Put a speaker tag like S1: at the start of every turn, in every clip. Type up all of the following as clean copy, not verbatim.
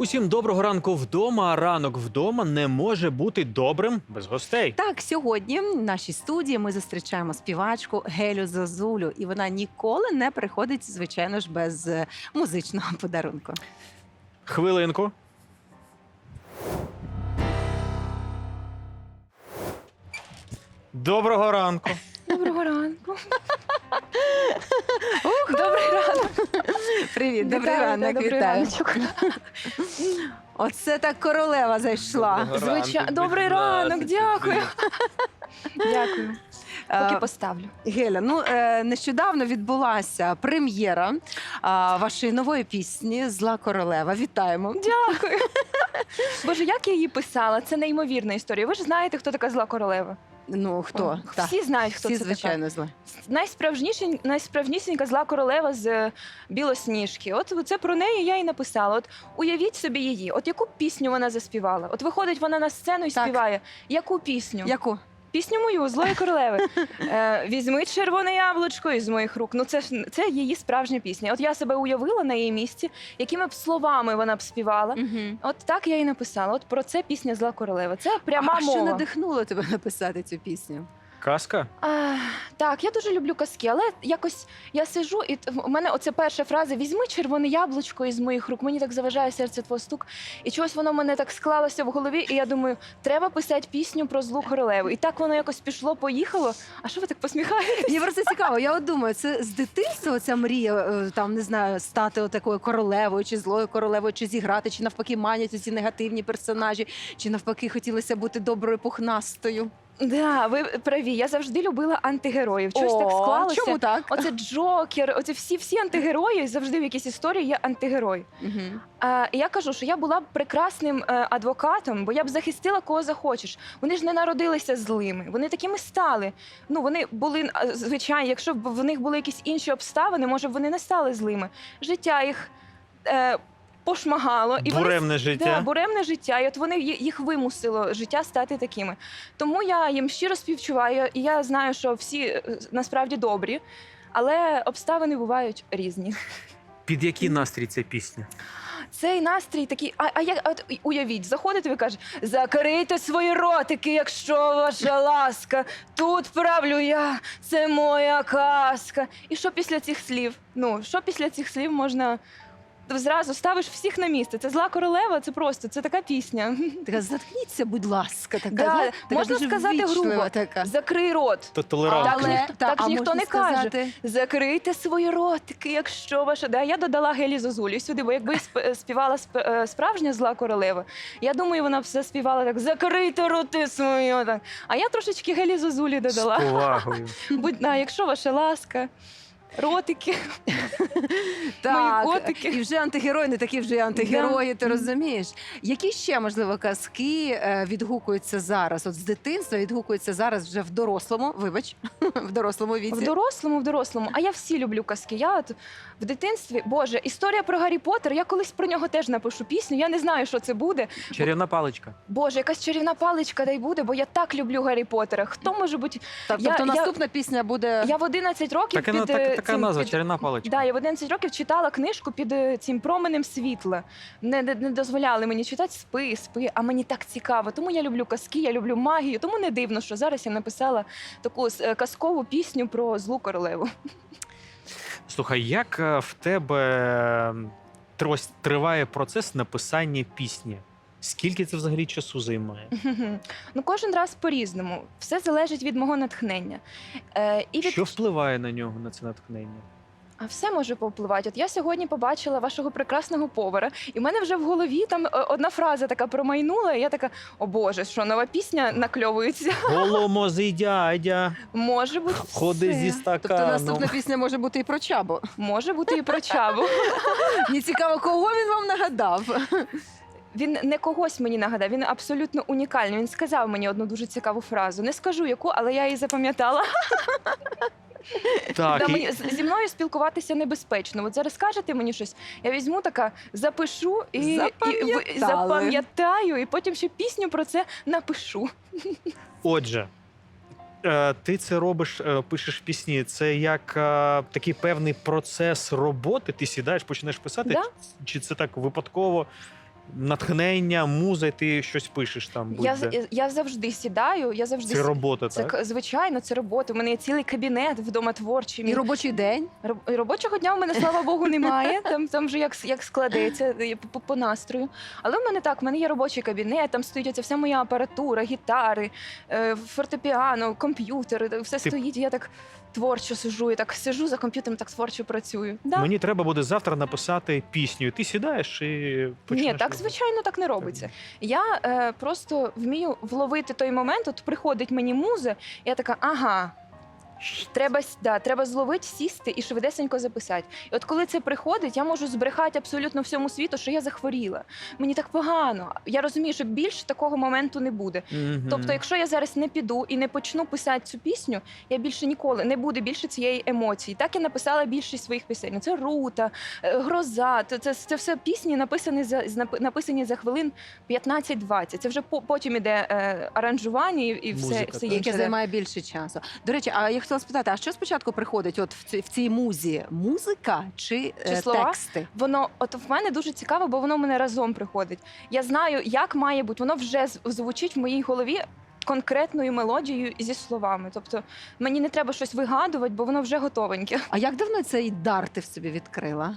S1: Усім доброго ранку вдома. Ранок вдома не може бути добрим без гостей.
S2: Так, сьогодні в нашій студії ми зустрічаємо співачку Гелю Зозулю. І вона ніколи не приходить, звичайно ж, без музичного подарунку.
S1: Хвилинку. Доброго ранку.
S3: Доброго ранку. Добрий ранок.
S2: Привіт, добрий
S3: Вітаю,
S2: ранок,
S3: добрий
S2: вітаю.
S3: раночок.
S2: Оце так королева зайшла.
S3: Добрий ранок, дякую. Дякую. Поки поставлю.
S2: Геля, нещодавно відбулася прем'єра вашої нової пісні «Зла королева». Вітаємо.
S3: Дякую. Боже, як я її писала? Це неймовірна історія. Ви ж знаєте, хто така зла королева?
S2: Ну, хто? Так.
S3: Всі знають, хто
S2: Всі,
S3: це
S2: звичайно, зла.
S3: така. Найсправжнісінька зла королева з Білосніжки. От це про неї я і написала. От уявіть собі її. От яку пісню вона заспівала? От виходить вона на сцену і
S2: Так.
S3: співає. Яку пісню?
S2: Яку?
S3: Пісню мою «Злої королеви». Візьми червоне яблучко із моїх рук. Ну це її справжня пісня. От я себе уявила на її місці, якими б словами вона б співала.
S2: Угу.
S3: От так я і написала. От про це пісня «Зла королева». Це пряма
S2: А
S3: мова.
S2: що надихнуло тебе написати цю пісню?
S1: Казка?
S3: Так, я дуже люблю казки, але якось я сиджу, і в мене оце перша фраза «Візьми червоне яблучко із моїх рук». Мені так заважає серце твого стук. І чогось воно в мене так склалося в голові, і я думаю, треба писати пісню про злу королеву. І так воно якось пішло-поїхало. А що ви так посміхаєтесь?
S2: Мені просто цікаво, я от думаю, це з дитинства ця мрія, там, не знаю, стати такою королевою, чи злою королевою, чи зіграти, чи навпаки манять ці негативні персонажі, чи навпаки хотілося бути доброю пухнастою.
S3: Да, ви праві. Я завжди любила антигероїв. Чогось так склалося.
S2: Чому так?
S3: Оце Джокер, оце всі антигерої, завжди в якійсь історії є антигерой.
S2: Угу.
S3: І я кажу, що я була б прекрасним адвокатом, бо я б захистила кого захочеш. Вони ж не народилися злими, вони такими стали. Ну, вони були, звичайно, якщо б в них були якісь інші обставини, може б вони не стали злими. Життя їх пошмагало. І
S1: Буремне життя.
S3: Да, буремне життя. І от вони їх вимусило життя стати такими. Тому я їм щиро співчуваю, і я знаю, що всі насправді добрі, але обставини бувають різні.
S1: Під який настрій ця пісня?
S3: Цей настрій такий, от уявіть, заходите, ви кажете, закрийте свої ротики, якщо ваша ласка, тут правлю я, це моя казка. І що після цих слів? Ну, що після цих слів можна... Зразу ставиш всіх на місце. Це «Зла королева», це просто, це така пісня.
S2: Така, заткніться, будь ласка, така,
S3: Да,
S2: така
S3: можна
S2: дуже
S3: сказати
S2: ввічлива
S3: грубо.
S2: така.
S3: Закрий рот.
S1: То толерантно.
S3: Так ж ніхто
S2: можна
S3: не каже.
S2: сказати,
S3: Закрийте свої ротики, якщо ваша... Да, я додала Гелі Зозулі сюди, бо якби співала справжня зла королева, я думаю, вона б все співала так «Закрийте роти свої». Так. А я трошечки Гелі Зозулі
S1: З
S3: додала.
S1: повагою.
S3: Якщо ваша ласка, ротики.
S2: так,
S3: Мої котики.
S2: і вже антигерої не такі вже й антигерої, ти розумієш? Які ще, можливо, казки відгукуються зараз? От з дитинства відгукуються зараз вже в дорослому, вибач, в дорослому віці.
S3: В дорослому. А я всі люблю казки. Я от в дитинстві, Боже, історія про Гаррі Поттер, я колись про нього теж напишу пісню, я не знаю, що це буде.
S1: Чарівна паличка.
S3: Боже, якась чарівна паличка дай буде, бо я так люблю Гаррі Поттера. Хто може бути...
S2: Тобто наступна пісня буде...
S3: Я в 11 років
S1: Така назва, чарівна паличка.
S3: Да, я в 11 років читала книжку під цим променем світла. Не дозволяли мені читати спи, а мені так цікаво. Тому я люблю казки, я люблю магію. Тому не дивно, що зараз я написала таку казкову пісню про злу королеву.
S1: Слухай, як в тебе триває процес написання пісні? Скільки це взагалі часу займає?
S3: Ну, кожен раз по-різному. Все залежить від мого натхнення.
S1: Що впливає на нього, на це натхнення?
S3: А все може повпливати. От я сьогодні побачила вашого прекрасного повара, і в мене вже в голові там одна фраза така промайнула, і я така, о Боже, що нова пісня накльовується?
S1: Голомозий дядя,
S3: Може бути
S1: ходи
S3: все.
S1: зі
S2: Тобто
S1: стаканом.
S2: наступна пісня може бути і про Чабу.
S3: Може бути і про Чабу.
S2: Мені цікаво, кого він вам нагадав?
S3: Він не когось мені нагадав, він абсолютно унікальний. Він сказав мені одну дуже цікаву фразу. Не скажу яку, але я її запам'ятала.
S1: Так,
S3: Зі мною спілкуватися небезпечно. От зараз скажете мені щось, я візьму така, запишу і запам'ятаю, і потім ще пісню про це напишу.
S1: Отже, ти це робиш, пишеш пісні. Це як такий певний процес роботи. Ти сідаєш, починаєш писати?
S3: Да.
S1: Чи це так випадково? натхнення, муза, і ти щось пишеш там. будь-де.
S3: Я завжди сідаю, я завжди
S1: Це робота,
S3: Це,
S1: так?
S3: звичайно, це робота. У мене є цілий кабінет вдома творчий.
S2: І робочий день.
S3: Робочого дня в мене, слава Богу, немає. Там вже як складеться по настрою. Але в мене так, в мене є робочий кабінет, там стоїть оця вся моя апаратура, гітари, фортепіано, комп'ютер, все стоїть. І я так творчо сиджу, я так сиджу за комп'ютером, так творчо працюю. Да.
S1: Мені треба буде завтра написати пісню. Ти сідаєш і почнеш.
S3: Ні, так звичайно так не робиться. Я просто вмію вловити той момент, от приходить мені муза, і я така, ага. Треба зловити, сісти і швидесенько записати. І от коли це приходить, я можу збрехати абсолютно всьому світу, що я захворіла. Мені так погано. Я розумію, що більше такого моменту не буде.
S1: Мгм.
S3: Тобто, якщо я зараз не піду і не почну писати цю пісню, я більше ніколи не буде більше цієї емоції. Так я написала більшість своїх пісень. Це Рута, Гроза. Це все пісні написані за хвилин 15-20. Це вже потім іде аранжування і
S1: Музика,
S3: все
S1: так.
S3: інше.
S2: Яке займає більше часу. До речі, а я хотіла спитати, а що спочатку приходить от в цій музі? Музика чи
S3: слова?
S2: тексти?
S3: Воно от в мене дуже цікаво, бо воно в мене разом приходить. Я знаю, як має бути. Воно вже звучить в моїй голові конкретною мелодією зі словами. Тобто мені не треба щось вигадувати, бо воно вже готовеньке.
S2: А як давно цей дар ти в собі відкрила?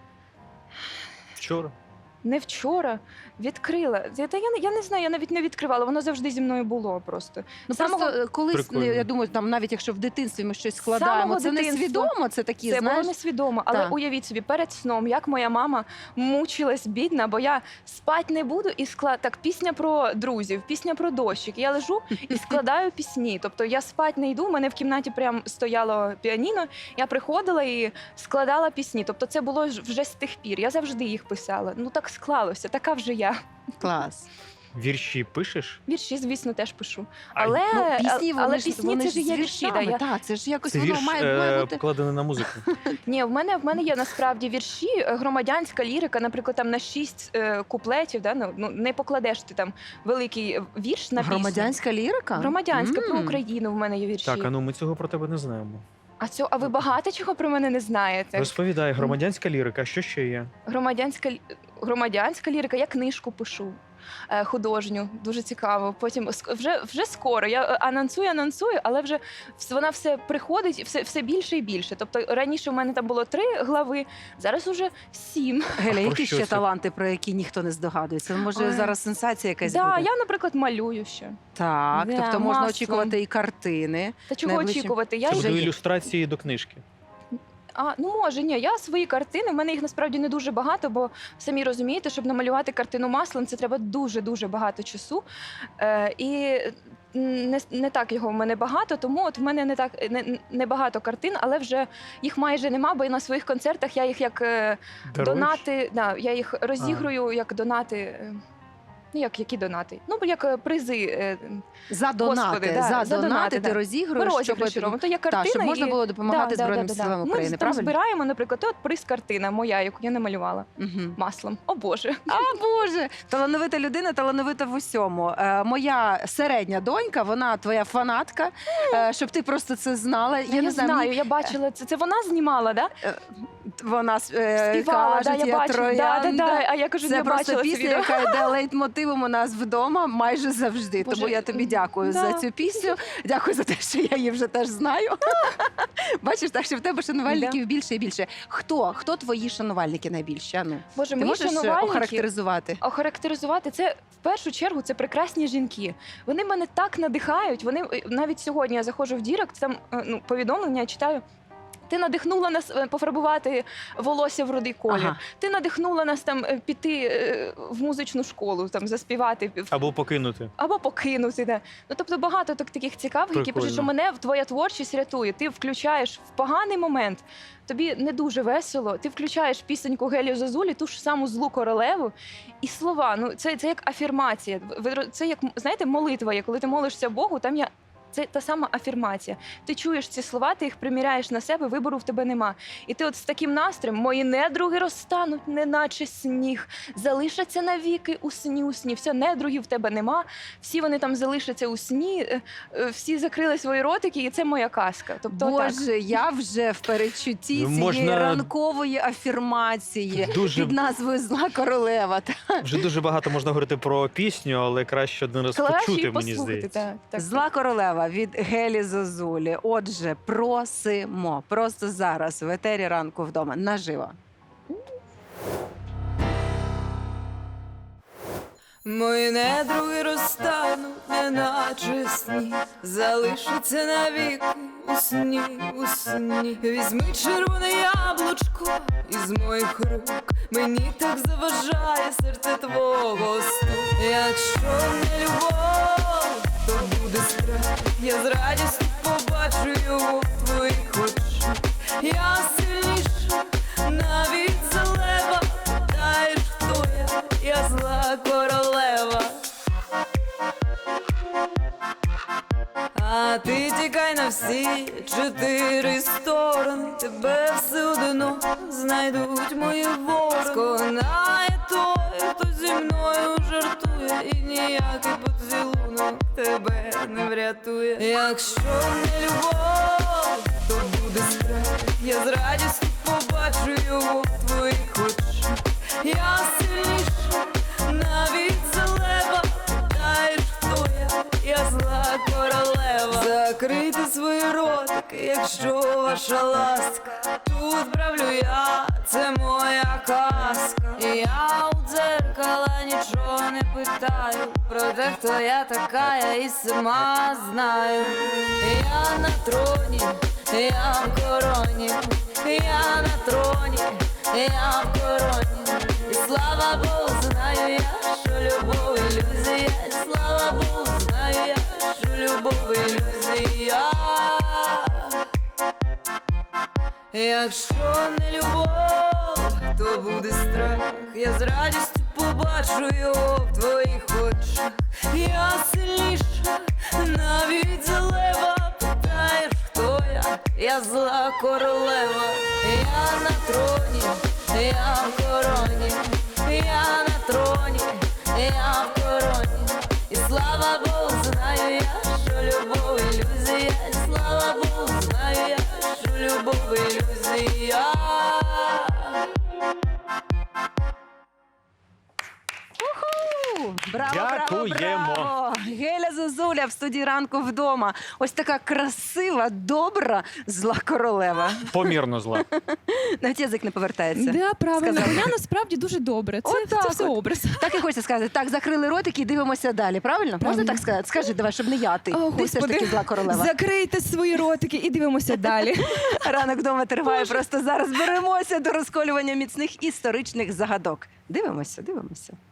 S1: Вчора.
S3: Не вчора відкрила. Я не знаю, я навіть не відкривала. Воно завжди зі мною було просто.
S2: Ну
S3: Самого-
S2: просто колись,
S1: Прикольно.
S2: я думаю, там навіть якщо в дитинстві ми щось складаємо,
S3: самого
S2: це не
S3: дитинства.
S2: свідомо, це такі,
S3: Це було
S2: знаєш.
S3: несвідомо, але
S2: Так.
S3: уявіть собі, перед сном, як моя мама мучилась бідна, бо я спать не буду і так, пісня про друзів, пісня про дощик. Я лежу і складаю пісні. Тобто я спать не йду, у мене в кімнаті прям стояло піаніно, я приходила і складала пісні. Тобто це було вже з тих пір. Я завжди їх писала. Ну так склалося, така вже я.
S2: Клас.
S1: Вірші пишеш?
S3: Вірші, звісно, теж пишу.
S1: А,
S3: Але,
S2: Ну, пісні,
S3: але
S2: вони ж,
S3: пісні
S2: вони
S3: це
S2: ж
S3: ж
S2: з
S3: є вірші. Да,
S2: віршами.
S3: я...
S2: Так, це ж якось
S1: Це
S2: воно
S1: вірш
S2: має бути.
S1: вкладений на музику.
S3: Ні, в мене є насправді вірші, громадянська лірика, наприклад, там на 6 куплетів, да? Ну, не покладеш ти там великий вірш на пісню.
S2: Громадянська лірика?
S3: Громадянська про
S2: М.
S3: Україну в мене є вірші.
S1: Так, а ну ми цього про тебе не знаємо.
S3: А ви багато чого про мене не знаєте?
S1: Розповідай, громадянська лірика, що ще є?
S3: Громадянська лірика, я книжку пишу. Художню, дуже цікаво. Потім вже скоро. Я анонсую, але вже вона все приходить, все більше і більше. Тобто раніше в мене там було 3 глави, зараз уже 7.
S2: Геля,
S1: Про
S2: які
S1: що
S2: ще
S1: це?
S2: таланти, про які ніхто не здогадується? Може,
S3: Ой.
S2: зараз сенсація якась
S3: Да,
S2: буде?
S3: я, наприклад, малюю ще.
S2: Так,
S3: Да,
S2: тобто можна
S3: маслом.
S2: очікувати і картини.
S3: Та чого
S2: Найближчим-
S3: очікувати? Я
S1: Це
S2: вже
S1: будуть
S2: є.
S1: ілюстрації до книжки.
S3: Ну може, ні, я свої картини, в мене їх насправді не дуже багато, бо самі розумієте, щоб намалювати картину маслом, це треба дуже-дуже багато часу. І не так його в мене багато, тому от в мене не багато картин, але вже їх майже нема, бо на своїх концертах я їх як донати, я їх розігрую як донати. Ну, які донати? Ну, як призи.
S2: За донати,
S3: Господи, да,
S2: за донати ти
S3: да.
S2: розігруєш,
S3: Розіграші робимо. То є картина,
S2: щоб можна
S3: і...
S2: було допомагати
S3: Да,
S2: Збройним
S3: да.
S2: силам України,
S3: Ми там
S2: правильно?
S3: збираємо, наприклад, от приз картина моя, яку я намалювала
S2: Мгм.
S3: маслом. О Боже.
S2: А Боже, талановита людина, талановита в усьому. Моя середня донька, вона твоя фанатка, щоб ти просто це знала.
S3: Я не знаю, я бачила це. Це вона знімала, да?
S2: Вона
S3: Співала,
S2: каже,
S3: я
S2: я
S3: бачила.
S2: троянда.
S3: А я кажу,
S2: Це
S3: я
S2: просто
S3: бачила це
S2: пісня,
S3: відео.
S2: яка йде лейтмотивом у нас вдома майже завжди.
S3: Боже,
S2: Тому я тобі дякую
S3: да.
S2: за цю пісню. Дякую за те, що я її вже теж знаю. Бачиш, так що в тебе шанувальників більше і більше. Хто твої шанувальники найбільші? Ну,
S3: Боже,
S2: ти
S3: мої
S2: можеш
S3: шанувальники
S2: охарактеризувати?
S3: охарактеризувати це в першу чергу це прекрасні жінки. Вони мене так надихають. Вони навіть сьогодні я заходжу в Дірект, там повідомлення я читаю. Ти надихнула нас пофарбувати волосся в рудий колір.
S2: Ага.
S3: Ти надихнула нас там піти в музичну школу, там заспівати
S1: Або покинути.
S3: або покинути. Да. Ну тобто багато таких цікавих, які пишуть, що
S1: Прикольно.
S3: мене твоя творчість рятує. Ти включаєш в поганий момент. Тобі не дуже весело. Ти включаєш пісеньку Гелі Зозулі, ту ж саму злу королеву, і слова. Ну це як афірмація. Це як знаєте, молитва. Коли ти молишся Богу, там є Це та сама афірмація. Ти чуєш ці слова, ти їх приміряєш на себе, вибору в тебе нема. І ти от з таким настроєм: мої недруги розтануть, неначе сніг, залишаться навіки у сні. Все, недругів в тебе нема, всі вони там залишаться у сні, всі закрили свої ротики, і це моя казка. Тобто,
S2: Боже, я вже в передчутті
S1: Ну,
S2: цієї
S1: можна-
S2: ранкової афірмації
S1: Дуже-
S2: під назвою Зла королева.
S1: Вже дуже багато можна говорити про пісню, але краще один раз
S3: Краще
S1: почути,
S3: її
S1: мені
S3: послухати.
S1: здається.
S3: Так.
S2: Зла королева від Гелі Зозулі. Отже, просимо просто зараз в етері ранку вдома наживо.
S3: Мої недруги розтануть, неначе сніг, залишаться навіки у сні. Візьми червоне яблучко із моїх рук, мені так заважає серце твого сну. Якщо не любов, то буде страх, я з радістю побачу його в твоїх очах. Я сильніша, навіть за лева, знаєш, хто я зла королева. А ти тікай на всі 4 сторони, тебе все одно знайдуть мої ворони. Сконає той, хто зі мною жартує, і ніякий поцілунок тебе не врятує. Якщо не любов, то буде страх, я з радістю побачу його в твоїх очах. Я сильніша, навіть за лева, знаєш, хто я зла королева. Закрийте свої ротики, якщо ваша ласка. Тут правлю я, це моя казка. І я у дзеркала нічого не питаю, про те, хто я така, я і сама знаю. Я на троні, я в короні, я на троні, я в короні. І слава Богу, знаю я, що любов ілюзія. І слава Богу, знаю я, що любов ілюзія. Якщо не любов, то буде страх, я з радістю побачу його в твоїх очах. Я сильніша, навіть за лева, питаєш, хто я зла королева. Я на троні, я в короні, я на троні, я в короні. І слава Богу, знаю я, що любов ілюзія. І слава Богу, знаю я, що любов ілюзія.
S2: Браво, браво,
S1: Дякуємо.
S2: браво! Геля Зозуля в студії ранку вдома. Ось така красива, добра, зла королева.
S1: Помірно зла.
S2: Навіть язик не повертається.
S4: Да, правильно.
S2: Сказала.
S4: Я насправді дуже добре. Це,
S2: Отак
S4: це все
S2: от.
S4: образ.
S2: Так і хочеться сказати. Так, закрили ротики і дивимося далі. Правильно? Можна
S4: Правильно.
S2: так сказати? Скажи, давай, щоб не я ти.
S4: О,
S2: Ти все ж таки зла королева.
S4: Закрийте свої ротики і дивимося далі.
S2: Ранок вдома триває просто зараз. Беремося до розколювання міцних історичних загадок. Дивимося, дивимося.